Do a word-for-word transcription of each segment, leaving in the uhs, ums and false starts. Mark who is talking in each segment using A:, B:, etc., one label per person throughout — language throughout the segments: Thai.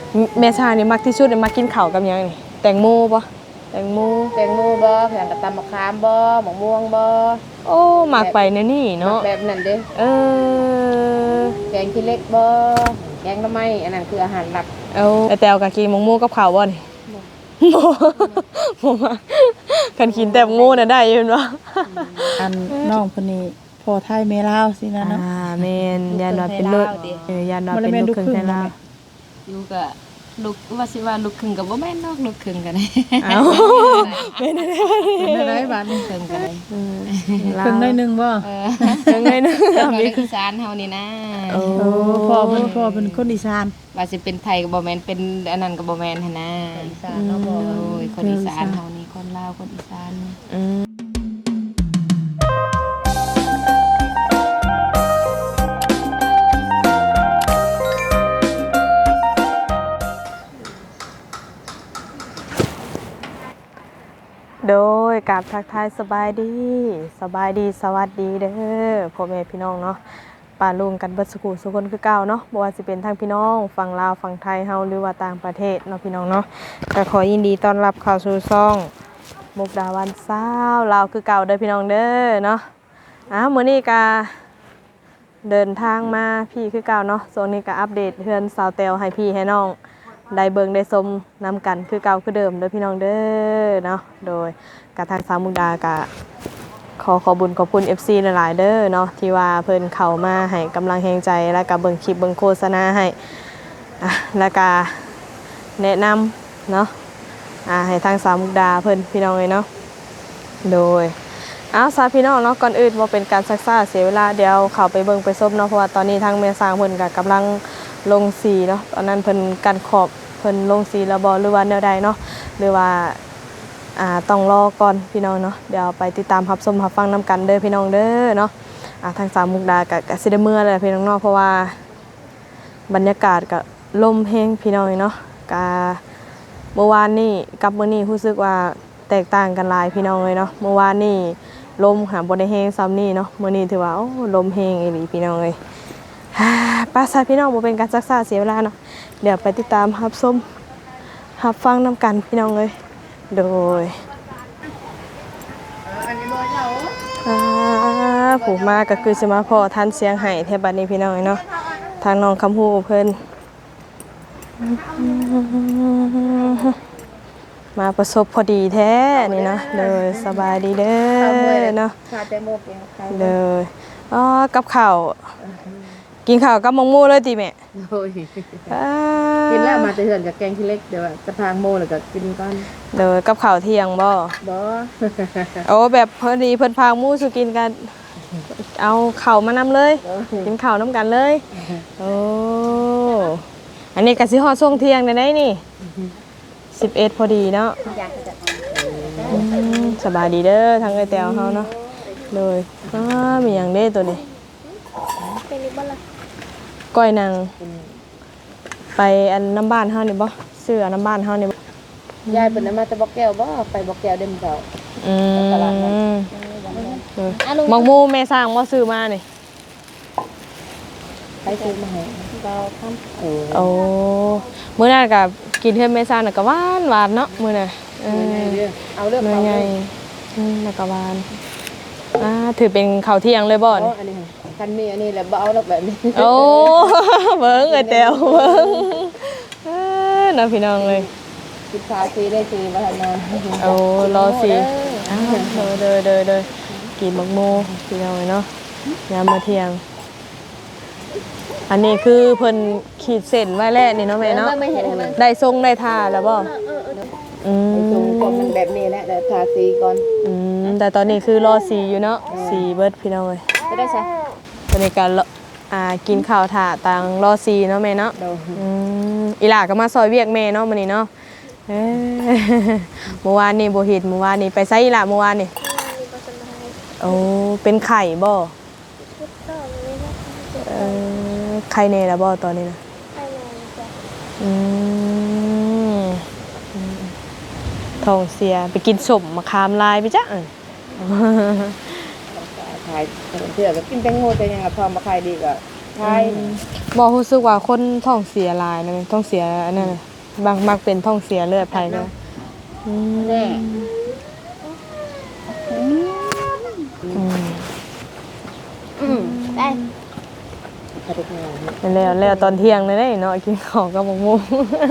A: แม่ชานี่มักที่สุดเลยมักกินข้าวกับหยังนี่แตงโมบ่แตงโม
B: แตงโมบ่แข่งกับตำมะขามบ่มะม่วงบ่
A: โอ้มักไปแนวนี้เนาะ
B: แบบนั้นเด้
A: เออ
B: แกงขี้เล็กบ่แกงหน่อไม้อันนั้นคืออาหารหลัก
A: เอาแต่แตวก็กินมะม่วงกับข้าวบ่นี่บ่บ่มากันกินแต่โง่น่ะได้อยู่เนาะ
C: อันน้องคนนี้พอไทยแม่ลาวสินะเนาะ
A: อ่าแม่นยันว่าเป็นลูกเออยันว่าเป็นลูกครึ่งไทยลาว
D: อยู่ก็ลูกว่าสิว่าลูกครึ่งก็บ่แม่นเนาะลูกครึ่งก็ได้
A: เอ้าเป็นได้
C: เป็นอะไรบาดนี้
D: ครึ่งก็ได้
A: อืม
C: ครึ่งได้นึงบ่
D: เออ
A: ครึ่งได้นึง
D: มีอีสานเฮานี่นะ
A: โอ้
C: พ่อเพิ่นพ่อเป็นคนอีสาน
D: ว่าสิเป็นไทยก็บ่แม่นเป็นอันนั้นก็บ่แม่นหั่นนะ
B: อีสานเนาะบ่
D: โอ้ยคนอีสานเฮานี่คนลาวคนอีสาน
A: อืมโดยกับทักทายสบายดีสบายดีสวัสดีเด้อพ่อแม่พี่น้องเนาะป่าลุงกันเบิดสุขุสุคนคือเก่าเนาะบ่ว่าสิเป็นทั้งพี่น้องฝั่งลาวฝั่งไทยเฮาหรือว่าต่างประเทศเนาะพี่น้องเนาะก็ขอยินดีต้อนรับเข้าสู่ช่องมุกดาวันสาวลาวคือเก่าเด้อพี่น้องเด้อเนาะอ่ะมื้อนี้ก็เดินทางมาพี่คือเก่าเนาะโซนนี้ก็อัปเดตเฮือนสาวแตวให้พี่ให้น้องได้เบิ่งได้ชมนำกันคือเก่าคือเดิมเด้อพี่น้องเด้อเนาะโดยกะทางสาวมุกดากะขอขอบุญขอบคุณ เอฟ ซี หลายๆเด้อเนาะที่ว่าเพิ่นเข้ามาให้กำลังแรงใจแล้วก็เบิ่งคลิปเบิ่งโฆษณาให้อ่ะแล้วก็แนะนำเนาะอ่าให้ทางสาวมุกดาเพิ่นพี่น้องเลยเนาะโดยอ้าวสาพี่น้องเนาะก่อนอื่นบ่เป็นการซักซ่าเสียเวลาเดี๋ยวเข้าไปเบิ่งไปชมเนาะเพราะว่าตอนนี้ทางแม่สร้างเพิ่นก็กำลังลงสีเนาะตอนนั้นเพิ่นกันขอบเพิ่นลงสีแล้วบ่หรือว่าแนวใดเนาะหรือว่าอ่าต้องรอก่อนพี่น้องเนาะเดี๋ยวไปติดตามรับชมรับฟังนำกันเด้อพี่น้องเด้อเนาะอ่าทางสามมุกดาก็ก็สิได้เมื่อแล้วพี่น้องเนาะเพราะว่าบรรยากาศก็ลมแฮงพี่น้องเนาะก็เมื่อวานนี้กับมื้อนี้รู้สึกว่าแตกต่างกันหลายพี่น้องเลยเนาะเมื่อวานนี้ลมหาบ่ได้แฮงซ้ำนี่เนาะมื้อนี้ถือว่าโอ้ลมแฮงอีหลีพี่น้องเอ้ยป้าซะพี่น้องบ่เป็นการซักซ่าเสียเวลาเนาะเดี๋ยวไปติดตามรับชมรับฟังนำกันพี่น้องเอ้ยโดยอ่าผู้มาก็คือสิมาพอทันเสียงไห้แถวบัดนี้พี่น้องเนาะทางน้องคำฮู้เพิ่นมาประสบพอดีแท้นี่เนาะเลยสบายดีเด้อเนาะเลยอ๋อกับข้าวกินข้าวกับมะม่วงเลยติแม่
B: โอ้ยกินแล้วมาแต่เฮือนกับแกงขี้เล็กเดี๋ยวจะพางโมแล้วก็กินก่อน
A: เด้อกับข้าวเที่ยงบ่
B: บ่
A: โอ้แบบพอดีเพิ่นพางหมู่สุกินกันเอาข้าวมานำเลยกินข้าวนํกันเลยโอ้อันนี้ก็สิฮอดช่วงเที่ยงได้นี่สิบเอ็ดพอดีเนาะสบายดีเด้อทางไอ้แตวเฮาเนาะเลยอ้ามีหยังเด้ตัวนี้ก้อยนางไปอันน้ำบ้านเฮานี่บ่ซื้อน้ำบ้านเฮานี่บ่
B: ยายเพิ่นมาแต่บ่แก้วบ่ไปบ่แก้วเด้มเจ้า
A: อืมมักมูแม่สร้างบ่ซื้อมานี่
B: ไปซื้อมาให้เราทำ
A: โอ้มื้อนั้นก็กินเฮือนแม่สร้างน่ะก็หวานหวานเนาะมื้อน่ะเออ
B: เอาเรื่องเอา
A: ใหญ่อืมแล้วก็หวานอ่าถือเป็นข้าวเที่ยงเลยบ่นี่
B: อันนี้คันมีอันนี้แหละบ่เอาดอกแบบนี้
A: โอ้เบิ่งเอ้ยแตวเบิ่งเออน่าพี่น้องเลย
B: สิบาซีได้ซีมาทันนอน
A: โอ้รอสิอ้าวเด้อเด้อเด้อกินมักโมพี่น้องเนาะยามมาเที่ยงอันนี้คือเพิ่นขีดเส้นไว้แล้วนี่เนาะแม่เนาะได้ทรงได้ท่าแล้วบ่
B: อืมทรงก็มันแบบนี้แหละแต่ทาสีก่อน
A: อืมแต่ตอนนี้คือรอสีอยู่เนาะสีเบิดพี่น้องเอ้ย
B: ไม่ได้ใช่
A: ตอนนี้ก็อ่ากินข้าวถ่าตังรอสีเนาะแม่เนาะอืมอีหล่าก็มาซอยเวียกแม่เนาะมื้อนี้เนาะเอ้เมื่อวานนี่บ่เฮ็ดเมื่อวานนี่ไปไสอีหล่าเมื่อวานนี่โอ้เป็นไข่บ่เอ่อไข่แน่ล่ะบ่ตอนนี้นะไข่แน่จ้ะอืมท้องเสียไปกินส้มมะขามลายไปจ้ะ
B: ขายเถื่อก็กินแตงโมแต่ยังกับทอมมาขายดีกว่าขาย
A: บ่รู้สึกว่าคนท้องเสียหลายนะแม่ท้องเสียอันนั้นน่ะบางมักเป็นท้องเสียเลือดภายในอืม
B: แน่
A: อืม
B: อืมได้ไปได้ไง
A: แล้วแล้วตอนเที่ยงเลยได้เนาะกินข้าวกับหมกมุง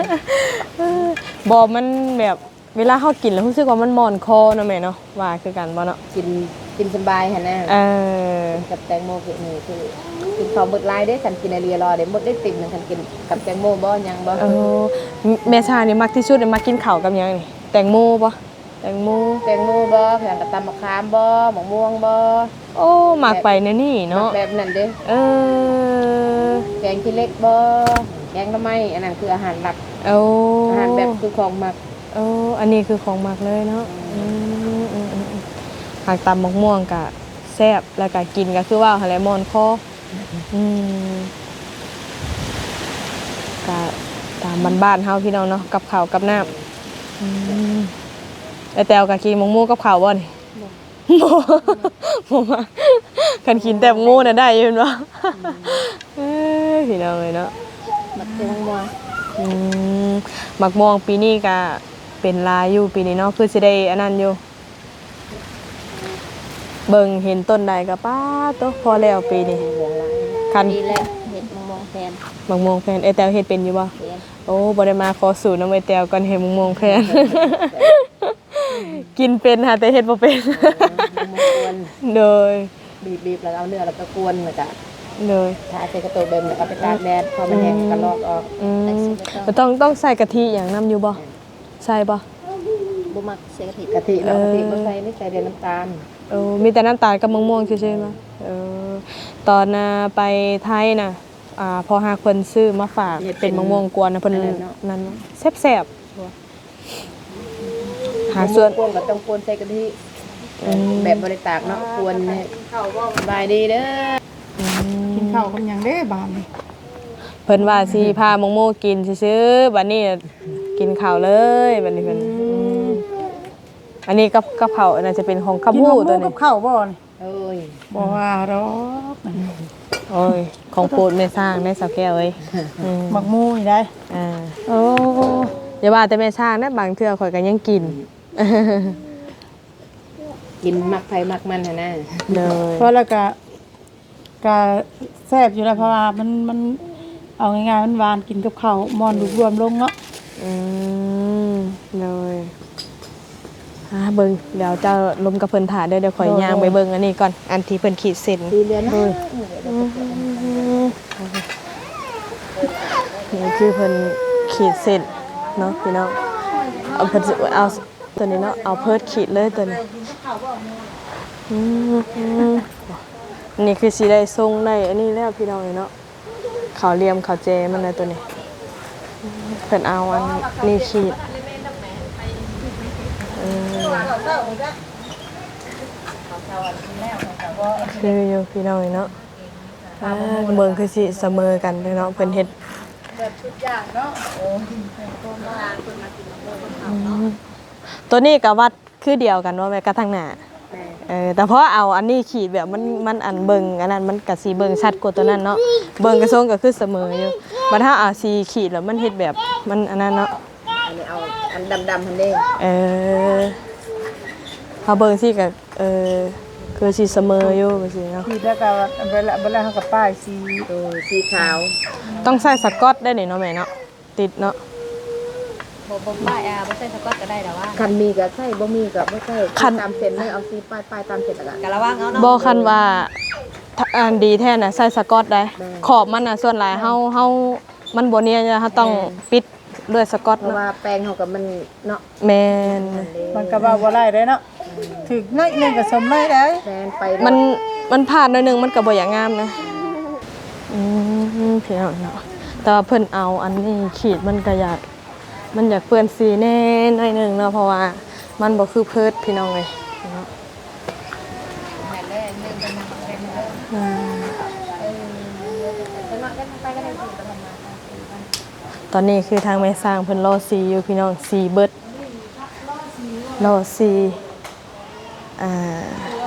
A: บ่มันแบบเวลาเฮากินแล้วรู้สึกว่ามันหม่อนคอเนาะแม่เนาะว่าคือกันบ่เนาะ
B: กินกินสบายหั่นน่ะ
A: เออ
B: กับแตงโมคือนี่คือกินข้าวหมดลายได้ฉันกินอะไรรอเดี๋ยวหมดได้ติ่มหนึงฉันกินกับแตงโมบ่ยังบ่
A: เออแม่ชานี่มักที่สุดเลยมักกินข้าวกับหยังนี่แตงโมบ่แตงโม
B: แตงโมบ่แข่งกับตำมะขามบ่มะม่วงบ่
A: โอ้มักไปในนี่เนาะ
B: แบบนั้นเด้
A: เออ
B: แกงขี้เหล็กบ่แกงหน่อไม้อันนั้นคืออาหารหลัก
A: เอา
B: อาหารแบบคือของหมัก
A: เอาอันนี้คือของมักเลยเนาะอืมอืมอืมอืมหากตำมะม่วงกะแซ่บแล้วก็กินก็คือว่าหั่นแหละมอนคออืมกะตามบ้านๆเฮาพี่น้องเนาะกับข้าวกับน้ำอืมไอ้แตวก็กินมะม่วงกับข้าวบ่นี่ บ่บ่มาคันกินแต่หมูน่ะได้อยู่เนาะเอ้ยพี่น้องเอ้ยเนาะ
B: มักแตงโม
A: อืมมักม่วงปีนี้ก็เป็นลายอยู่ปีนี้เนาะคือสิได้อันนั้นอยู่เบิ่งเห็นต้นใดก็ป้าโตพอแล้วปีนี้
B: เหลืองลาย
A: คัน
B: ดีแล้วเห็ดมะม่วงแทน
A: มักม่วงแฟนไอ้แตวเฮ็ดเป็นอยู่บ่
B: แทน
A: โอ้บ่ได้มาขอสูตรนำไอ้แตวก่อนเฮ็ดมักม่วงแฟน กินเป็นค่ะแต่เฮ็ดบ่เป็น
B: มะม่วงกวน
A: โดย
B: บีบๆแล้วเอาเนื้อแล้วก็กวนแล้วก็
A: โดย
B: ทาใส่กระตุกเดิมแล้วก็ไปตากแดดพอมันแห้งก็ลอกออก
A: อืมมันต้องต้องใส่กะทิอย่างน้ำอยู่บ่ใส่บ่
B: บ่มักใส่กะทิกะทิเนาะกะทิบ่ใส่ไม่ใส่เดือน้ำตาล
A: เออมีแต่น้ำตาลกับมะม่วงซื่อๆบ่เออตอนน่ะไปไทยน่ะอ่าพอหาเพิ่นซื้อมาฝากเป็นมะม่วงกวนน่ะเพิ่นนั่นแซ่บๆหาส่วน
B: กวนก็ต้องกวนใส่กะทิ
A: อืม
B: แบบบ่ได้ตากเนาะกวนเนี่ยสบายดีเด้อ
A: อืม
C: กินข้าวกับหยังเด้บานนี่
A: เพิ่นว่าสิพามะม่วงกินซื่อๆบัดนี้กินข้าวเลยบัดนี้เพิ่นอืมอันนี้กับกับข้าวน่าจะเป็นของข้าว
C: กิน
A: หมู
C: หมู
A: ตัว
C: กั
A: นี้
C: บข้าวบ่นี่
B: เอ้ย
C: บ่ว่าดอก
A: โอ้ยของโปรดแม่สร้างได้สาวแก้วเอ้ยอืม
C: มักหมูนี่ได้
A: อ่า
C: โอ้
A: อย่าว่าแต่แม่สร้างนะบางเทื่อข่อยก็ยังกิน
B: กินมักไผมักมันหั่นน่ะ
A: เลย
C: เพราะแล้วก็ก็แซ่บอยู่แล้วเพราะว่ามันมันเอาง่ายๆมันหวานกินกับข้าวมอนรวมๆลงเนาะ
A: อืมเลยอ่าเบิ่งเดี๋ยวเจะลมกับเพิ่นถ่าเด้อเดี๋ยวข่อยย่างไปเบิ่งอันนี้ก่อนอันที่เพิ่นขีดเส้น
B: ดีเดือนนะ
A: นี่คือเพิ่นขีดเส้นเนาะพี่น้องเอาเพิ่นสิเอาตัวนี้เนาะเอาเพิดขีดเลยตัวนี้อืมอืมนี่คือสิได้ทรงได้อันนี้แล้วพี่น้องเนาะขาวเหลี่ยมขาวเจมันเลยตัวนี้เพิ่นเอาอันนี้ขีดอืมคืออยู่พี่น้องเนาะอ่าเมืองคือสิเสมอกันเลยเนาะเพิ่นเฮ็ด
C: แบบชุดอย่างเนาะ
A: ตัวนี้กับวัดคือเดียวกันว่าแม่กระทั่งหน้าเออแต่เพราะเอาอันนี้ขีดแบบมันมันอันเบิงอันนั้นมันกะสีเบิงชัดกว่าตัวนั้นเนาะเบิงกระทรงก็คือเสมออยู่บัดถ้าเอาสีขีดแล้วมันเฮ็ดแบบมันอันนั้นเนาะ
B: อันนี้เอาอันดำๆหั่นเด้
A: เออพอเบิงสิก็เออคือสีเสมออยู่ว่าซี่เนาะ
C: ทีแล้วก็เวลาเวลาเฮากับป้ายสี
B: โอ้สีขาว
A: ต้องใส่สกอตได้นี่เนาะแม่เนาะติดเนาะ
D: บ่บ่ป้ายอ่ะบ่ใส่สก๊อตก็ได้แต่ว่า
B: คันมีก็ใส่บ่มีก็บ่ใส่
A: คัน
B: ตามเส้นเลยเอาสีป้ายป้ายตามเส้นแล้วก็
D: ก็ระวังเอาเนาะ
A: บ่คันว่าถ้าอันดีแท้น่ะใส่สกอตได้
B: ได้
A: ขอบมันน่ะส่วนหลายเฮาเฮามันบ่เนียนเฮาต้องปิดด้วยสกอต
B: เพราะ
A: เนาะ
B: ว่าแป้งเฮากับมันเนาะ
A: แม่น
C: มันก็ว่าบ่ได้เด้เนาะถึกน้อยหนึงก็สมน้อยได้
B: แทนไป
A: มันมันผ่านหน่อยหนึงมันก็บ่อย่างงามนะอืมพี่น้องเนาะแต่ว่าเพิ่นเอาอันนี้ขีดมันก็อยากมันอยากเปื้อนสีแน่หน่อยหนึงเนาะเพราะว่ามันบ่คือเพิดพี่น้องเลยเนาะอ่าตอนนี้คือทางแม่สร้างเพิ่นรอสีอยู่พี่น้องสีเบิดรอสีอ่า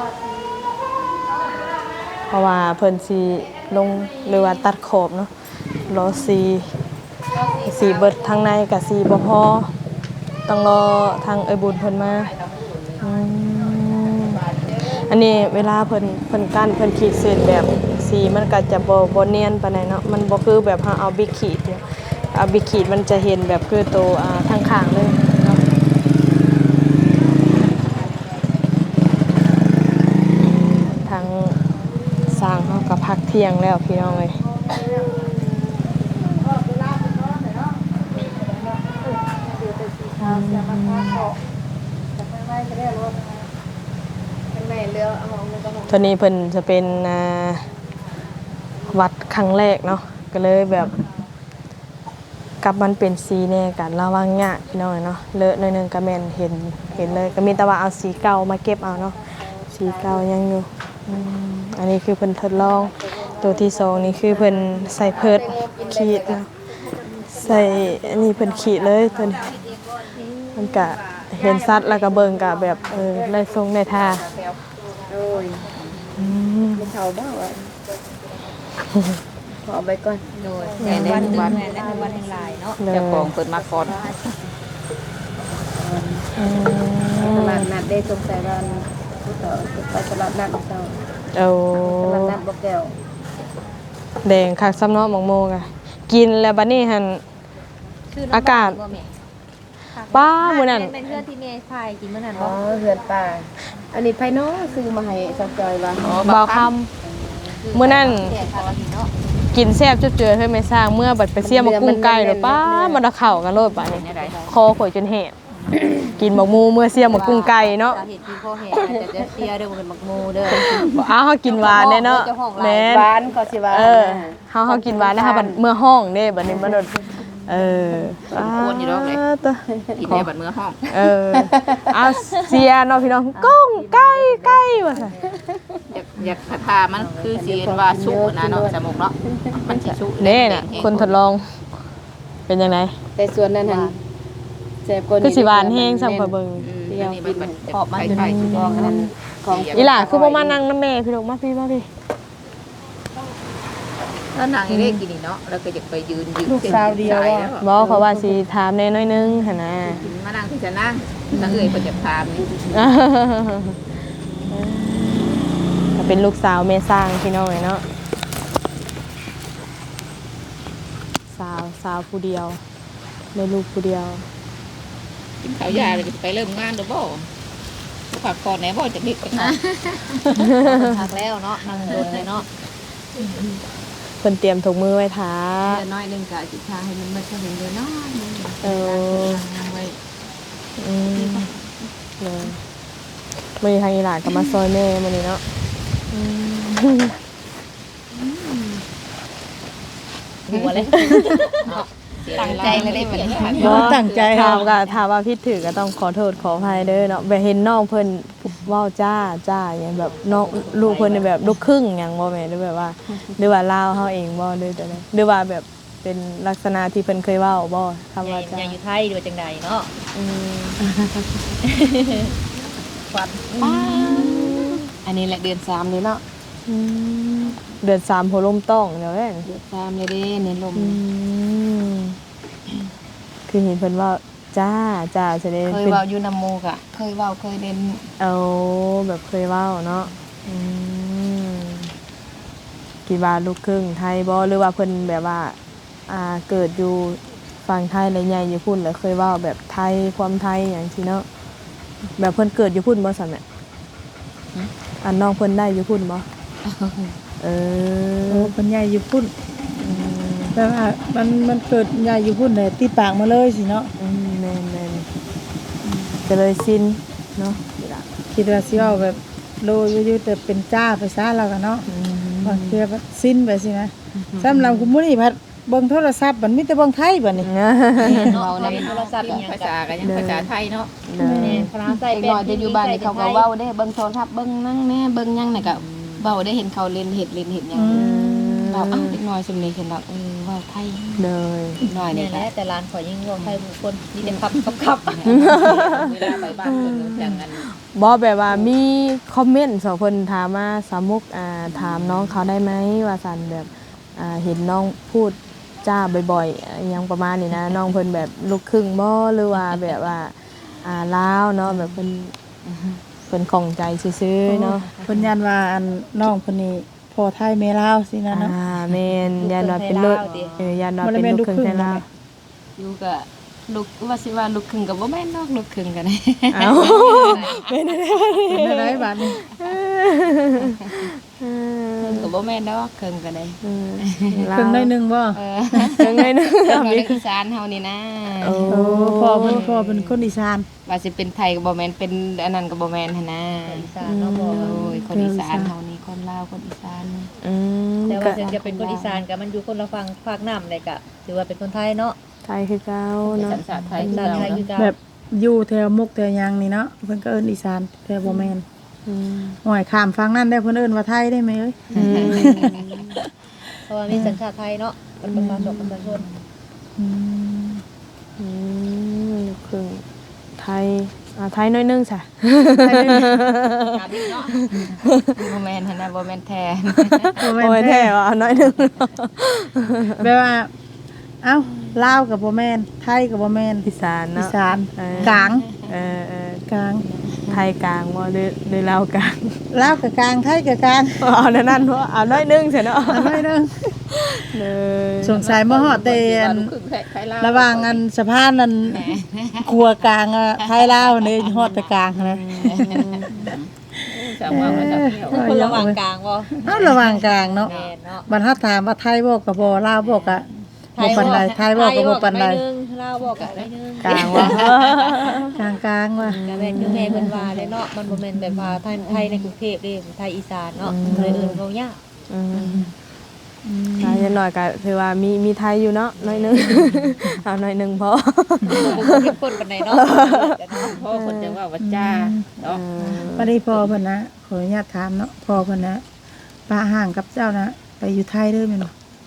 A: เพราะว่าเพิ่นสิลงหรือว่าตัดขอบเนาะรอสีสีเบิดทางในกับสีบ่พอต้องรอทางเอ้ยบุญเพิ่นมาอืมอันนี้เวลาเพิ่นเพิ่นกั้นเพิ่นขีดเส้นแบบสีมันก็จะบ่บ่เนียนปานใดเนาะมันบ่คือแบบเฮาเอาบิ๊กขีดเนี่ยเอาบิ๊กขีดมันจะเห็นแบบคือตัวอ่าทางข้างเลยเนาะทางสร้างเฮาก็พักเที่ยงแล้วพี่น้องเอ้ย ตัวนี้เพิ่นจะเป็นอ่าวัดครั้งแรกเนาะก็เลยแบบกับมันเป็นสีแน่กันระวังยากพี่น้องเนาะเลอะหน่อยหนึงก็แม่นเห็นเห็นเลยก็มีแต่ว่าเอาสีเก่ามาเก็บเอาเนาะสีเก่ายังอยู่อืมอันนี้คือเพิ่นทดลองตัวที่สองนี่คือเพิ่นใส่เพิดขีดเนาะใส่อันนี้เพิ่นขีดเลยตัวนี้มันก็เห็นสัตว์แล้วก็เบิ่งก็แบบเออได้ทรงได้ท่า
B: โอ้ย
A: อืม
B: ไม่เท่าบ้างวะขอไปก่อน
D: โดยแต่ในวันวันในวันแห่งหลายเนาะ
A: เลย
E: เจ้าของเปิดมาก่อน
A: อืม
B: ตลาดนัดได้สงสัยว่าผู้ต่อไปตลาดนัดเจ้า
A: เอา
B: ตลาดนัดบ่แก้ว
A: แดงคักซ้ำเนาะหมองโมกอะกินแล้วบัดนี้หันอากาศป้ามื้อนั้น
D: เป็นเพื่อนที่เมย์พายกินเมื่อนั้น
B: อ๋อ
D: บ่
B: เฮือนป่าอันนี้ไผน้อซื้อมาให้สักจอยว่า
A: เบาคำมื้อนั้น
D: เสียค่ะเนาะ
A: กินแซ่บจุดเจือเฮ้ยไม่สร้างเมื่อบัดไปเสียมากุ้งไก่แล้วป้ามันเอาเข้ากันโลดป่านนี้คอข่อยจนแหบกินหมกมูเมื่อเสียมากุ้งไก่เนาะ
D: เห็นที่พ่อเห็นแต่จะเสียเด้อบ่เป็นมักมูเด้อ
A: อ้าวเฮากินหวานแน่เนาะแม่น
B: หวานก็สิว่า
A: เออเฮาเฮากินหวานนะคะบัดเมื่อห้องเด้บัดนี้มันโดนเออ
E: ควรอยู่ดอกเลย
A: าตะ
E: กินในบัดเมื่อห้อง
A: เออเอาเสียเนาะพี่น้องกุ้งไก่ไก่ว่าซั่น
E: อยากอยากทามันคือสีเห็นว่าสุกนะเนาะสมุกเนาะมันสิสุก
A: เด้น่ะคนทดลอง เป็นยังไง
B: แต่ส่วนนั้นหั่นแซ่บกว่านี้
A: คือสิหวานแห้งซ้ำข่อยเบิ่ง
E: อืมอันนี้มันมัน
D: ขอบมันอยู่
E: ไข่
D: ใน
E: ๆ
D: กองนั้น
B: ของ
A: อีหล่าคือบ่มานั่งนำแม่พี่ลูกมาพี่มาพี่
E: ถ้านางนี่ได้กินนี่เนาะแล้วก็อยากไปยืนยืน
C: ลูกสาวเดียว
E: ใส่
C: อะ
E: แล้ว
A: บ่เขาว่าสิถามแน่น้อยนึงหั่นน่ะ
E: มานั่งที่จะนั่งนั่งเอ่ยเพิ่นจะถามนี่
A: ก็เป็นลูกสาวแม่สร้างพี่น้องเนาะสาวสาวผู้เดียวได้ลูกผู้เดียว
E: กินข้าวยาเลยจะไปเริ่มงานเด้อบ่ผักก่อนแหน่บ่จะนิดไปนะ
D: พักแล้วเนาะนั่งโดนเลยเนาะ
A: เพิ่นเตรียมถุงมือไว้ทา
D: เดือนน้อยนึงก็สิทาให้มันมาเท่าเดือนน้อย
A: เออ
D: นั่งไว้
A: อืมเลยมื้อนี้ทางอีหลานก็มาซอยแม่มื้อนี้เนาะอืม
D: หัวเลยตั้งใจเลยได้เหมือนกัน
A: บ่
C: ตั้งใจ
A: ถาม
C: เอา
A: ก็ถามว่าผิดถือก็ต้องขอโทษขออภัยเด้อเนาะแบบเห็นน้องเพิ่นเว้าจ้าจ้าอย่างแบบน้องลูกเพิ่นนี่แบบลูกครึ่งหยังบ่แม่นหรือแบบว่าหรือว่าลาวเฮาเองบ่หรือจังได๋หรือว่าแบบเป็นลักษณะที่เพิ่นเคยเว้าบ่คำว่าจ้า
D: ยังอยู่ไทยดูจังใดเนาะ
A: อืม
D: ควันอันนี้แหละเดือนสามเลยเนาะ
A: อืมเดือนสามโหลมต้องเดี๋ยวแม่น
D: เดือนสามเลยเด้เน้นลม
A: อืมคือเห็นเพิ่นว่าจ้าจ้าแสดง
D: เคย
A: เป็น
D: เว้าอยู่นำหมู่กะเคยเว้าเคยเล่น
A: เอาแบบเคยเว้าเนาะอืมกี่บาทลูกครึ่งไทยบ่หรือว่าเพิ่นแบบว่า อ่าเกิดอยู่ฝั่งไทยแล้วใหญ่อยู่พุ่นแล้วเคยเว้าแบบไทยความไทยหยังซี่เนาะแบบเพิ่นเกิดอยู่พุ่นบ่ซั่นแหละอันน้องเพิ่นได้อยู่พุ่นบ่เอ
C: โอ้
A: อ
C: เป็นใหญ่อยู่พุ่นแต่ว่ามันมันเกิดใหญ่อยู่พุ่นเลยตีปากมาเลยสิเนาะ
A: อืมแม่นแม่นก็เลยสิ้นเนาะ
C: คิดว่าสิเอาแบบโลอยู่ๆแต่เป็นจ้าไปซะแล้วกันเนาะ
A: อืม
C: บางเทีแบบสิ้นไปสินะสำหรับคุณมื้อนี้พัดเบิ่งโทรศัพท์มันมีแต่เบิ่งไทยบัดนี้
D: เว้าในโทรศัพท์อีหยัง
E: ภา
D: ก็
E: ษากันยังภาษาไทยเนาะ
A: เด้อ
D: ฝรั่งเศสเป็นที่อยู่บ้านนี่เขาก็เว้าได้เบิ่งโทรศัพท์เบิ่งนั่งแน่เบิ่งหยังน่ะก็เว้าได้เห็นเขาเล่นเฮ็ดเล่นเฮ็ดหยังเว้าอ้าวเด็กน้อยซุมนี้เห็นแล้วเออเว้าไทย
A: เลย
D: น้อยนี่แหละแต่ร้านข่อยยังเว้าไทยบุคคลนี่แต่ครับครับครับ
E: เวลาไปบ้านเพิ่นจังกัน
A: บอแบบว่ามีคอมเมนต์สองคนถามมาสามุกอ่าถามน้องเขาได้ไหมว่าสันแบบอ่าเห็นน้องพูดจ้าบ่อยๆอหยังประมาณนี้นะน้องเพิ่นแบบลูกครึ่งบ่หรือว่าแบบว่าอ่าลาวเนาะแบบเพิ่นเพิ่นของใจซื่อๆเนาะ
C: เพิ่นยันว่าอันน้องเพิ่นนี่พ่อไทยแม่ลาวสินะเนาะ
A: อ่าแม่นยันว่าเป็นลูกเออยันว่าเป็นลูกครึ่งไทยลาว
D: อยู่ก็ลูกว่าสิว่าลูกครึ่งก็บ่แม่นนอกลูกครึ่งกัน
A: เอ้าเป็นได้
C: เป็นอะไรบาดนี้
A: เออ
D: ครึ่งก็บ่แม่นดอกครึ่งก็ได้
A: เออ
C: ครึ่งได้หนึงบ่
D: เออ
A: ครึ่งได้หนึง
D: ครึ่งก็อีสานเฮานี่นะ
A: โอ้
C: โอ้พ่อเพิ่นพ่อเป็นคนอีสาน
D: ว่าสิเป็นไทยก็บ่แม่นเป็นอันนั้นก็บ่แม่นหั่นนะ
B: อีสานเนาะบ่
D: โอ้ยคนอีสานเฮานี่คนลาวคนอีสาน
A: อืม
B: แต่
A: ก็
B: ว่าถึงจะเป็นคนอีสานก็มันอยู่คนละฝั่งภาคน้ำเลยก็ถือว่าเป็นคนไทยเนาะ
A: ไทยคือเก่า
E: เป็น
A: เนาะ
E: สัญชาติไทย
B: เป็น
E: คือ
B: ชาติ
E: เรา
B: ไทยคือ
E: เนาะ
B: กัน
C: แบบอยู่แถวมุกแถวหยังนี่เนาะเพิ่นก็เอิ้นอีสานแต่บ่แม่น
A: อืม
C: หอยข้ามฟังนั่นได้เพิ่นเอิ้นว่าไทยได้ไหมเอ้ย
A: อืม
B: เพราะว่ามีสัญชาติไทยเนาะเป็นประชาชนประชาชน
C: อืม
A: อืมลูกครึ่งไทยอ่าไทยน้อยนึงจ้ะ
E: ถามอีกเนาะ
D: บ่แม่นหั่นนะบ่แม่นแท้
C: บ่
A: โอ้ย
C: แม่น
A: แท้
C: แท้
A: ว่าน้อยนึง
C: แปลว่า เอ้าลาวกับบ่แม่นไทยกับบ่แม่น
A: อีสาน
C: อี
A: เนาะ
C: สาน
A: เออก
C: ลาง
A: เออเออก
C: ลาง
A: ไทยกลางบ่หรือหรือลาวกลาง
C: ลาวกับกลางไทยกับกลาง
A: เอานั่นนั่นเพราะเอาน้อยนึงใช่เนาะ
C: อันน้อยหนึง
A: เลย
C: สงสัยบ่ฮอดแต่อัน
E: ลูกครึ่งไทยลาว
C: ระหว่างอันสะพานนั้นครัวกลางอะไทยลาวนี่ฮอดแต่กลางนะ
E: สามว่ามาจากเที่ยว
B: คนระหว่างกลางบ่
C: เอ้าระหว่างกลางเนาะ
B: แม่นเนาะ
C: บรรทัดถามว่าไทยบ่ก็บ่ลาวบ่ก็บ่ปานใดไทยบ่ก็บ่ปานใด
B: ไทยบอกกับไม่นึงลาวบอกกับไม่นึง
A: กลางว่ะ
C: กลางกลางๆว่ะ
B: ก็แม่นคือแม่เพิ่นว่าเลยเนาะมันบ่แม่นแบบว่าไทยไทยในกรุงเทพเด้ไทยอีสานเนาะเลยเอิ้นเขายาก
A: อืมอ่าอย่างน้อยก็ถือว่ามีมีไทยอยู่เนาะน้อยนึง เอาน้อยนึงพอ
B: บ่เข้มข้นปานใดเนาะ
E: พ่อคนจะว่าว่าจ้าเนาะ
C: พอดีพ่อเพิ่นนะขออนุญาตถามเนาะพ่อเพิ่นนะป้าห่างกับเจ้านะไปอยู่ไทยเด้อแม่นบ่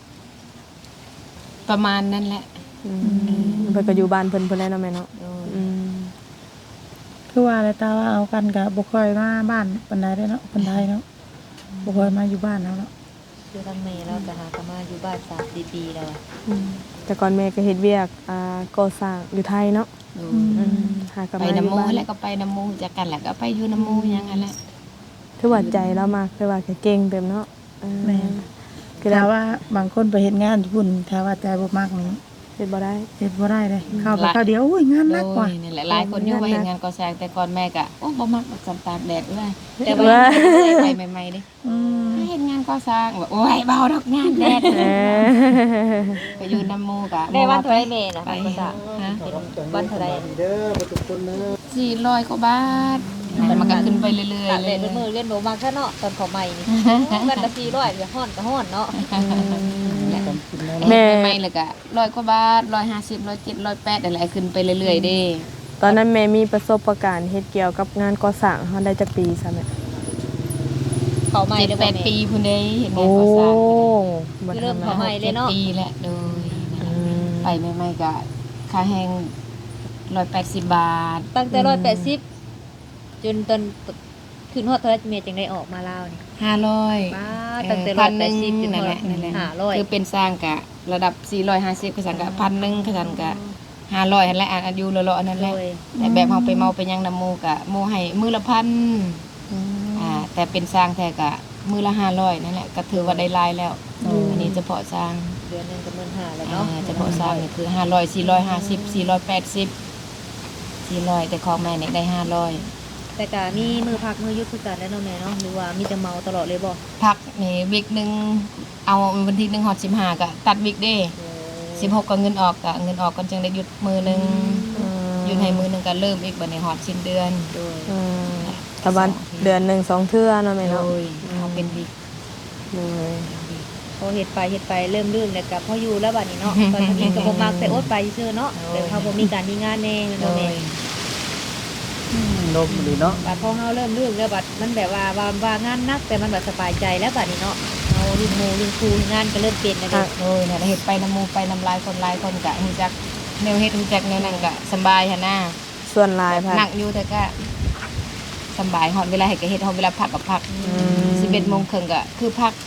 D: ประมาณนั้นแหละ
A: อืมเพิ่นก็อยู่บ้านเพิ่นเพิ่นแล้วเนาะแม่เนาะอืม
C: คือว่าอะไรตาว่าเอากันก็บ่ค่อยมาบ้านปานใดเด้อเนาะคนไทยเนาะบ่ค่อยมาอยู่บ้านแล้วเนาะ
B: คือทางแม่เราก็หากันมาอยู่บ้านสามสี่ปีแล้วอะ
A: อืมแต่ก่อนแม่ก็เฮ็ดเวียกอ่าก่อสร้างอยู่ไทยเนาะ
D: ดู
A: อืมหากลับ
D: ไป
A: มาอ
D: น้ำ
A: ยู่
D: มู
A: บ้าน
D: แล้วก็ไปน้ำมูจากกันแหละก็ไปอยู่น้ำมูอย่างนั้นแหละ
A: คือว่าใจเรามากคือว่าเก่งเต็มเนาะเออ
C: แม่น
A: คือ
C: ถ้า
A: เรา
C: ว่าบางคนไปเฮ็ดงานญี่ปุ่นถ้าว่าใจบ่มักนี่
A: เฮ็ดบ่ได้
C: เฮ็ดบ่ได้เลยเข้าไปเข้าวเดียวโอ้ยงานหนักกว่า
D: โดยนี่แหละหลายคนอยู่ว่าเห็นงานก่อสร้างแต่ก่อนแม่ก็โอ้บ่มักสันตากแดดด้วย
B: แต่
A: ว่า
B: ว่า
D: ไปใหม่ๆเดิ
C: อืม
D: เห็นงานก่อสร้างแบบโอ้ยเบาดอกงานแดด
A: เออ
D: ไปอยู่น้ำมูกะ
B: ได้วันเท่าไหร่แม่น่ะ
D: ไป
B: ภาษา
D: ฮะ
B: เป็นวันเท่าไหร่
D: สี่ร้อยกว่าบาทมันก็ขึ้นไปเรื่อย
B: ตาก
D: ๆ
B: แด
D: เรื่
B: ด
D: อย
B: เป็นมือเล่นโดมากแค่เนาะตอนเขาใหม่นี่วันละสี่ร้อยอย่าฮ้อนก็ฮ้อนเนาะ
D: ๆแม่ใหม่ๆเลยก็ร้อยกว่าบาทร้อยห้าสิบร้อยเจ็ดร้อยแปดอะไรขึ้นไปเรื่อยๆเด้
A: ตอนนั้นแม่มีประสบการณ์เฮ็ดเกี่ยวกับงานก่อสร้างเฮาได้จักปีซะแม่
B: เขาใหม่
D: เจ็ด
B: เด้อ
D: แป
B: บ่
D: ด
B: แม่
D: ปีพุ่นเด้เห็นงา
A: โอ้
D: นก่อสร้าง
A: บ่
B: คือเริ่ม
A: ธรรม
B: เขา
A: ดา
B: ใหม่เลยเนาะ
D: จ็ดปีแหละโดย
A: อืม
D: ไปใหม่ๆก็ค่าแห้งร้อยแปดสิบบาท
B: ตั้งแต่ร้อยแปดสิบจนตอนขึ้นฮอดเท่าไหร่เมียจึงได้ออกมาลาวนี่
D: ห้าร้อย
B: ป้าตั้งแต่
D: พั
B: ร้อย
D: นห
B: แป
D: นึ่
B: ด
D: ง
B: สิบจน
D: นั่นแหละนั่นแหละ
B: ห้าร้อย
D: คือเป็นสร้างกะระดับสี่ร้อยห้าสิบกสันกะพันหนึ่งกสันกะห้าร้อยนั่นแหละอายุเลาะๆนั่นแหละ
B: โดย
D: แต่แบบเอาไปเมาไปยังน้ำมูกะโมให้มือละพันอ่าแต่เป็นสร้างแท้กะมือละห้าร้อยนั่นแหละก็ถือว่าได้หลายแล้วอันนี้เฉพาะสร้าง
B: เดือนหนึงก็หมื่นห้าแล้ว
D: อ่า
B: เนาะ
D: เฉพาะสร้างนี่คือห้าร้อยสี่ร้อยห้าสิบสี่ร้อยแปดสิบสี่ร้อยแต่ของแม่เนี่ยได้ห้าร้อย
B: แต่ก็มีมือพักมือหยุดคือกันแล้วเนาะแม่เนาะหรือว่ามีแต่เมาตลอดเลยบ่
D: พักนี่วิกหนึ่งเอาวันที่หนึ่งหอดสิบห้ากะตัดวิกเด้สิบหกก็เงินออกกะเงินออกก็จึงได้หยุดมือหนึ่งหยุดให้มือหนึ่งก็เริ่มอีกบัดในหอดสิ้นเดือน
B: โดย
A: อืมตะวันเดือนหนึ่งสองเทื่อเนาะแม่
D: โด
A: เนาะ
D: ยเขาเป็นวิก
A: เลย
B: พอเฮ็ดไปเฮ็ดไปเริ่มลื่นแล้วก็พออยู่แล้วบัดนี้เนาะตอนนี้ก็บ่มักแต่อดไปซื่อๆเนาะแต่เขาบ่มีการมีงานแน่
D: โด
B: เนาะแม่
D: ย
C: ลมดีเนาะ
B: บัดพอเฮาเริ่มลื่นแล้วบัดมันแบบว่าว่าว่างานหนักแต่มันแบบสบายใจแล้วบัดนี้เนาะเฮาลินโมลินครูงานก็เริ่มเป็นแล้วเด้
D: โดยเนี่ยเฮ็ดไปน้ำหมูไปน้ำลายคนหลายคนกะฮู้จักแนวเฮ็ดฮู้จักแนวนั้นกะสำบายหั่นน่ะ
A: ส่วนหลายพัน
D: หนักอยู่แต่ก็สำบายฮอดเวลาให้ก็เฮ็ดฮอดเวลาพักก็พัก
A: ม
D: สิบเอ็ดโมงครึ่งก็คือพัก
B: หา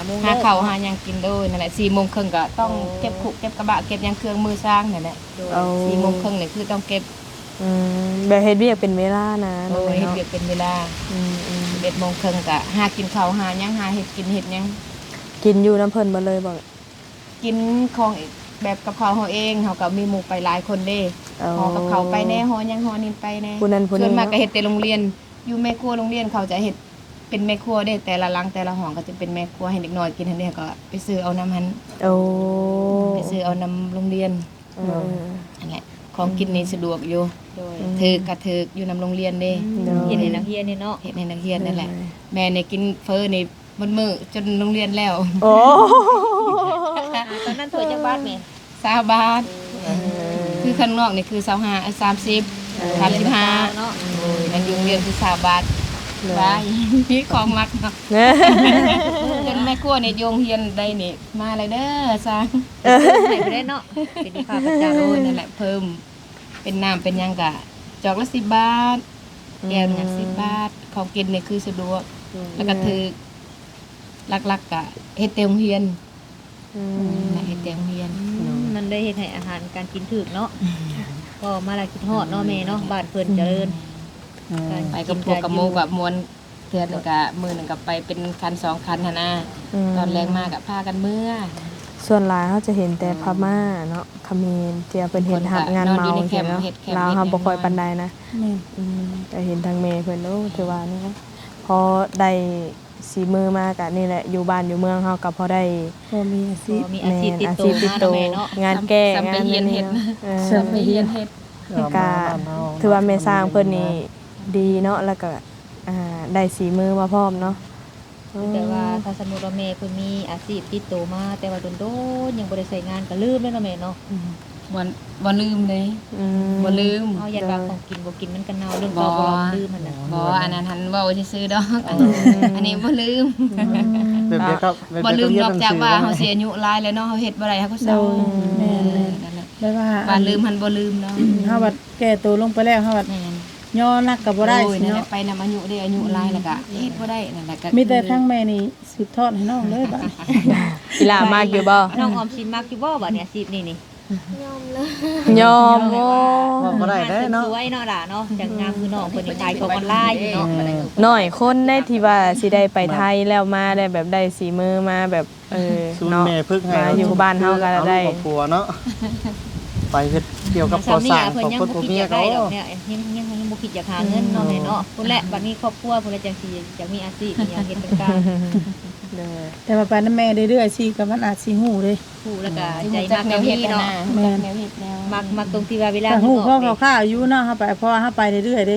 B: โมง
D: หา
B: เลิก
D: ข้าวหาหยังกินโดยนั่นแหละสี่โมงครึ่งก็ต้องเก็บขุเก็บกระบะเก็บหยังเครื่องมือสร้างนั่นแหละ
B: โดย
A: เอา
D: สี่โมงครึ่งนี่คือต้องเก็บ
A: อืมแบบเฮ็ดเวียกเป็นเวลานะ
D: โด
A: น้อง
D: ย
A: แม่
D: เฮ็ด
A: เนาะ
D: เวียกเป็นเวลา
A: อืมอืม
D: สิบเอ็ดโมงครึ่งก็หากินข้าวหาหยังหาเฮ็ดกินเฮ็ดหยัง
A: กินอยู่น้ำเพิ่นบ่เลยบ่
D: กินของแบบกับข้าวเฮาเองเฮาก็มีหมู่ไปหลายคนเด้
A: เอา
D: ห่อกับข้าวไปแน่ห่อหยังห่อนี่ไปแน่
A: ผู้นั้นผู้นี้
D: ส่วนมากก็
A: เนาะ
D: เฮ็ดแต่โรงเรียนอยู่แม่ครัวโรงเรียนเขาจะเฮ็ดเป็นแม่ครัวเด้แต่ละหลังแต่ละห้องก็จะเป็นแม่ครัวให้เด็กน้อยกินหั่นเด้ก็ไปซื้อเอาน้ำหัน
A: โอ้
D: ไปซื้อเอานำโรงเรียน
A: เออ
D: นั่นแหละของกินนี่สะดวกอยู่
B: โดย
D: ถือกระถือกอยู่นำโรงเรียนเด้
B: เฮ็ดให้นักเรียนนี่เนาะ
D: เฮ็ดให้นักเรียนนั่นแหละแม่เนี่ยกินเฟอนี่บนมือจนโรงเรียนแล้ว
A: โอ้
B: อ่าตอนนั้นถ้วยจักบาทแม่
D: สามบาทคือข้างนอกนี่คือสามห้าสามสิบสามสิบห้า
B: เนาะ
D: โอ้ยนั่นอยู่โรงเรียนคือสามบาทบายพี่ของมักเนาะ
A: เนี่ย
D: จนแม่ครัวนี่โยงเฮียนได้นี่มาเลยเด้อซาง
B: ให้ไปได้เนาะเป็นลูกค้าประจำ
D: โอ้ยนั่นแหละเพิ่มเป็นน้ำเป็นหยังกะจอกละสิบบาทแก้วหนึ่งสิบบาทของกินนี่คือสะดวกแล้วก็ถือลักๆกะเฮ็ดเตียงเฮียน
A: อืม
D: นะเฮ็ดเตียงเฮียน
B: มันได้เฮ็ดให้อาหารการกินถึกเนาะก็มาละกินฮอดเนาะแม่เนาะบ้านเพิ่นเจริญาร
D: ไปกับพวกกับโมกับมวลเทือนหนึงกะมือหนึ่งกับไปเป็นคันสองคันหั่นน่ะตอนแรงมากกับพากันเมื่อ
A: ส่วนหลายเขาจะเห็นแต่พม่าเนาะเขมรเจียเป็นเห็นหัดงานเมาใช่เนาะลาวเขาบ่ค่อยปานใดนะ
C: แม่น
A: อืมแต่เห็นทางเมย์เพิ่นโอ้ถือว่านี่นะพอได้สีมือมากะนี่แหละอยู่บ้านอยู่เมืองเฮาก็พอได้
C: พอมีอาชีพ
B: ก็มีอาชีพติด
A: อา
B: ตัว
A: ชีพติด
B: มา
A: ตั
B: เนาะ
A: ว
B: แม่เนาะ
A: งานแก้
D: ซ้ำไป
A: งาน
D: เฮียน
A: นี่
D: เฮ็ด
A: เนาะเออ
D: ซ้ำไปเฮียนเฮ็ด
A: กะถือว่าแม่สร้างเพิ่นนี่ดีเนาะแล้วก็อ่าได้สีมือมาพร้อมเนาะ
B: แต่ว่าถ้าสมมุติว่าแม่เพิ่นมีอาชีพติดตัวมาแต่ว่าโดนๆยังบ่ได้ใช้งานก็ลืมแล้วเนาะแม่เนาะ
D: บ่บ่ลืมเลย
A: อืม
D: บ่ลืม
B: เฮาอยากว่าของกินบ่กินมันก็เน่าเรื่องเราบ่ลองลืมมันน่ะ
D: บ่อันนั้นหันเว้าซื่อๆดอก อันนี้บ่ลืม
F: แบบเดียวครับแบบ
D: บ่
F: เดี
D: ลื
F: ยว
D: ม
F: เรีย
D: น
F: น
D: อก
F: หนัง
D: จาก
F: สือ
D: ว่า
F: นะ
D: เฮาเสียอายุหลายแล้วเนาะเฮาเฮ็ดบ่ได้เฮาก็เศร้า
C: แม่นแม่น
D: นั่นแหละ
C: ได้ว่า
D: ว่าลืมหันบ่ลืมเนาะ
C: เฮาบัดแก่ตัวลงไปแล้วเฮาบัด
D: แม่น
C: ย่อนักก็บ่ได้
D: โอ้ย
C: สิ
D: นั่นแหละ
C: เนาะ
D: ไปนำอายุได้อายุหลายแล้วก็เฮ็ดบ่ได้นั่นแหละก็
C: มีแต่ทั้งแม่นี่สืบทอดให้น้องเลยบัด
A: กีฬามากอยู่บ่
B: น้องออมสินมักอยู่บ่บัดเนี่ยอาชีพนี่นี่
A: ยอมโอ้
F: ว่าบ่ได้ได้เนาะ
B: สวยเนาะล่ะเนาะจังงามคือน้องเพิ่นนี่ขายของออนไลน์อยู่เนาะ
A: น้อยคนได้ที่ว่าสิได้ไปไทยแล้วมาได้แบบได้สีมือมาแบบเออ
F: ศูนย์
A: เนาะ
F: แม่พึ่งให้
A: มาอยู่บ้านเฮาก็
F: อ
A: ได้
F: ลูกกับผัวเนาะไปเฮ็ดเกี่ยวกับก่อสร้าง
B: เพิ่น
F: ของ
B: ยัง
F: คน
B: บ่
F: ผัว
B: คิด
F: เมี
B: อย ยาก
F: เขา
B: ได้ดอกเนี่ยยังยังยังบ่คิดอยากหาเงินเนาะแม่เนาะพุ่นแหละบัดนี้ครอบครัวพุ่นละจังสิอยากมีอาชีพอยากเฮ็ดเป็นการ
A: เด้อ
C: แต่ว่าไปนำแม่เรื่อยๆสิก็มันอาจสิฮู้เด้
B: ผู้แล้วก็
D: ใจ
B: ใจ
D: มั
B: มั
D: ก
B: ก
D: แน
B: แน
D: ว
B: ว
D: เฮ็
B: นี้
D: ดเนาะ
B: เนาะ
C: แม่น
D: แนวเฮ็ดแนว
B: มักมักตรงที่ว่าเวลา
C: แต่
B: เพิ่
C: ฮู้
B: น
C: พ่อ
B: ออก
C: เขาข้าวอยู่เนาะเฮาไปเพราะว่าเฮาไปเรื่อยๆเด้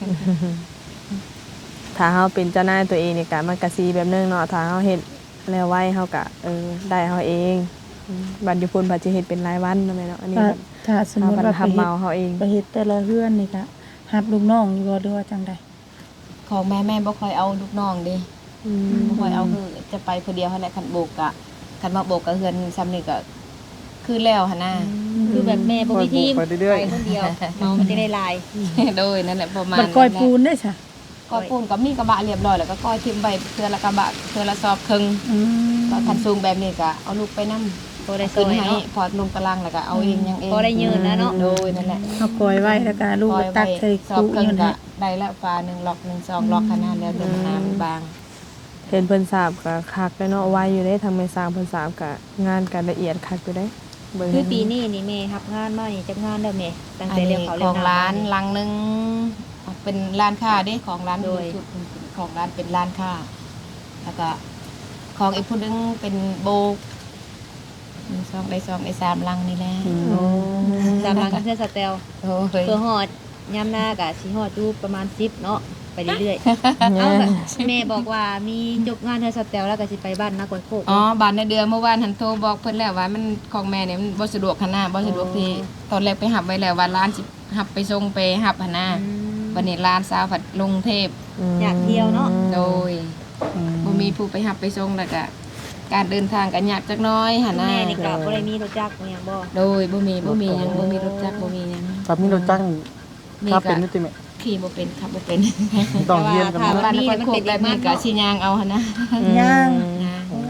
A: ถ้าเฮาเป็นเจ้านายตัวเองนี่ก็มันก็สิแบบนึงเนาะถ้าเฮาเฮ็ดแล้วไว้เฮาก็เออได้เฮาเองอืมบัดอยู่พุ่นบัดสิเฮ็ดเป็นรายวันเนาะแม่เนาะอันนี้
C: ถ้า
A: บัด
C: ถ้าสมมุติ
A: เฮาบัด
C: ว่าไป
A: ทำ
C: เฮ็
A: เมา
C: ด
A: เฮาเอง
C: ไปเฮ็ดแต่ละเฮือนนี่ก็รับลูกน้องอยู่บ่หรือว่าจังใด
D: ของแม่แม่บ่ค่อยเอาลูกน้องเด้
A: อืม
D: บ่ค่อยเอาคือจะไปผู้เดียวหั่นแหละคันโบกก็คันว่าโบกก็เฮือนซ้ำนี่ก็คือแล้วหั่นน่ะ
B: คือแบบแม่บ่มีทีม
F: ไปเรื่อยๆ
B: ไปคนเดียวเมามันจะได้ลาย
D: โดยนั่นแหละประมาณ
C: บัดก้อยปูนได้ซะ
D: ก้อยปูนก็มีกระบะเรียบร้อยแล้วก็ก้อยทิ่มไว้เทื่อละกระบะเทื่อละซอบครึ่ง
C: อืม
D: ก็คันสูงแบบนี้ก็เอาลูกไปนำ
B: พอได้ซ
D: ขึ้
B: อน ย
D: ให้
B: เนาะ
D: พอลงตารางแล้วก็เอาเองยังเอง
B: พอได้ยืนนะเนาะ
D: โดยนั่นแหละ
C: เอาก้อยไว้แล้วก็ลูก
D: ก้
C: ก็
D: อย
C: ตั
D: ไว้
C: กใส่
D: ซอบ
C: คุ
D: ครึ่ง
C: อยู่
D: ก็
C: นี่
D: ได้ละฟ้าหนึ่งล็อกหนึ่งซองล็อกขนาดแล้วแต่มันน้ำบาง
A: เห็นเพิ่นทราบก็คักเลยเนาะไว้อยู่ได้ทางแม่สร้างเพิ่นทราบก็งานก็ละเอียดคักอยู่ได้เบิ่ง
B: คือปีนี้นี่แม่รับงานมานี่จักงานเด้อแม่ตั้ง
D: อัน
B: แต่เรีย
D: นี้
B: กเขา
D: ข
B: เรีย
D: อก ง
B: น้ำ
D: ร้าน
B: นี่
D: ลังหนึงเป็นร้านค้าเด้ของร้าน
B: โดย
D: ชุดของร้านเป็นร้านค้าแล้วก็ของอีกผู้หนึงเป็นโบกหนึ่งซองได้ซองได้สามลังนี่แหละ
A: โอ้
B: ตามหลังกันเทื่อสแตล
D: โอ้ย
B: เพื่อฮอดยามหน้าก็สิฮอดอยู่ประมาณสิบเนาะไปเรื่อยๆเอาก็แม่บอกว่ามีจบงานเทื่อสแตลแล้วก็สิไปบ้านนากวยโคก
D: อ๋อบ้านในเดือนเมื่อวานหันโทรบอกเพิ่นแล้วว่ามันของแม่เนี่ยมันบ่สะดวกขนาดบ่สะดวกที่ตอนแรกไปหับไว้แล้วว่าร้านสิหับไปส่งไปหับหั่นน่ะวันนี้ร้านสาวผัดลงเทพ
B: อยากเที่ยวเนาะ
D: โดยบ่มีผู้ไปหับไปส่งแล้วก็การเดินทางก็ยากจักหน้อยหั่นน่ะ
B: แม่นี่ก็บ่ได้มีรถจักรบ่หยังบ่
D: โดยบ่มีบ่มีหยังบ่มีรถจักรบ่มีหยัง
F: ครับมีรถจักร
D: มี
F: ครับ
D: ก็
F: เป็นนิติแม่
D: ขี่บ่เป็นขับบ่เป็น
F: ต้องเรียนกัน
B: แต่
F: มา
B: ว่า
D: บ้าน
B: ถ้
D: นครโคกแบบนี้ก็สิย่างเอาหั่นนะ
C: ย่าง
D: ย่าง
C: เ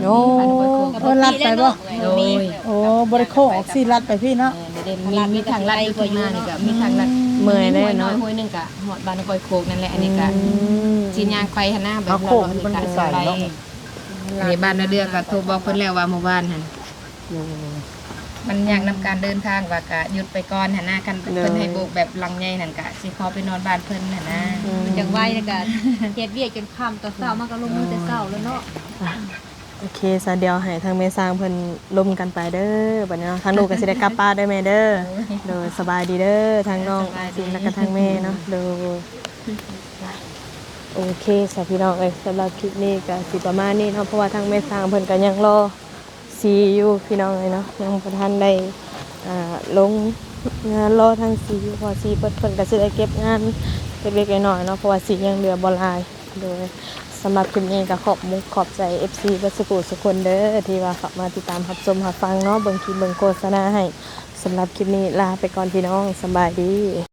A: โอ้
D: บ้านห้วยโคก
C: เออลัดไปบ่
D: โดย
C: โอ้บ่ได้โค้งออกสิลัดไปพี่เนาะ
D: เด่นมีมีทางลัดอยู่ข้างหน้านี่ก็มีทางลัด
A: เมื่อยแน่
D: ห้วยน้
A: เนาะ
D: อยห้วยหนึงก็ฮอดบ้านห้วยโคกนั่นแหละอันนี้ก็
A: อืม
D: สิย่างไปหั่นหน้าแบบ
F: เอาโคกมันไปใส่เนาะ
D: ในบ้านนาเดือก็โทรบอกเพิ่นแล้วว่าเมื่อวานหั่นมันยากนํการเดินทางว่าก็หยุดไปก่อนหั่นนะคันเพิ่นให้โบกแบบลังใหญ่นั่นก็สิขอไปนอนบ้านเพิ่นหั่นนะ
B: จังไว้แล้วก็เฮ็ดเวียกจนค่ำตอนเช้ามันก็ลงมือแต่เช้าแล้วเนาะ
A: โอเคซะเดียวให้ทางแม่สร้างเพิ่นล่มกันไปเด้อบัดนี้เนาะทางลูกก็สิได้กลับบ้านเด้อแม่เด้อโดยสบายดีเด้อทางน้องสิแล้วก็ทางแม่เนาะโดยโอเคสำหรับพี่น้องเอ้ยสำหรับคลิปนี้ก็สิประมาณนี้เนาะเพราะว่าทางแม่สร้างเพิ่นก็ยังรอสีอยู่พี่น้องเอ้ยเนาะยังบ่ทันได้อ่าลงงานรอทางสีเพราะว่าสีเพิ่นเพิ่นก็สิได้เก็บงานเล็กๆน้อยๆเนาะเพราะว่าสียังเหลือบ่หลายโดย สำหรับคลิปนี้ก็ขอบมุกขอบใจ เอฟ ซี บัสกุสุคนเด้อที่ว่าเข้ามาติดตามรับชมรับฟังเนาะเบิ่งคลิปเบิ่งโฆษณาให้สำหรับคลิปนี้ลาไปก่อนพี่น้องสำบายดี